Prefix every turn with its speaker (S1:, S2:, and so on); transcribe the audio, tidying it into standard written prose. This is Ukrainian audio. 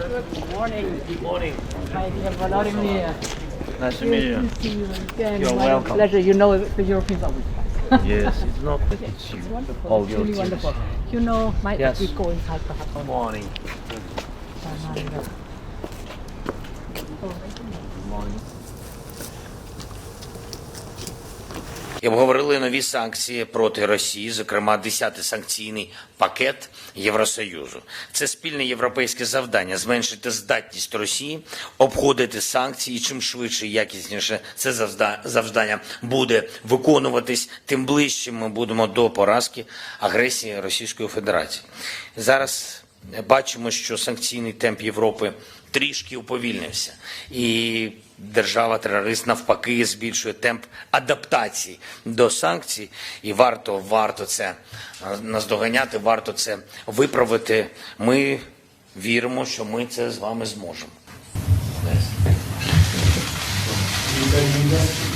S1: Good morning.
S2: Good morning.
S1: Hi, dear Vladimir.
S2: Nice to meet you.
S1: Good to see you again.
S2: You're
S1: My
S2: welcome.
S1: pleasure. You know, the Europeans are with us.
S2: Yes, it's not that it's you.
S1: It's wonderful.
S2: All
S1: It's
S2: your
S1: really
S2: teams.
S1: wonderful. You know,
S2: Yes.
S1: we go inside the hut.
S2: Good morning.
S3: І обговорили нові санкції проти Росії, зокрема 10-й санкційний пакет Євросоюзу. Це спільне європейське завдання – зменшити здатність Росії обходити санкції. І чим швидше і якісніше це завдання буде виконуватись, тим ближче ми будемо до поразки агресії Російської Федерації. Зараз бачимо, що санкційний темп Європи трішки уповільнився. І держава-терорист навпаки збільшує темп адаптації до санкцій. І варто це наздоганяти, варто це виправити. Ми віримо, що ми це з вами зможемо.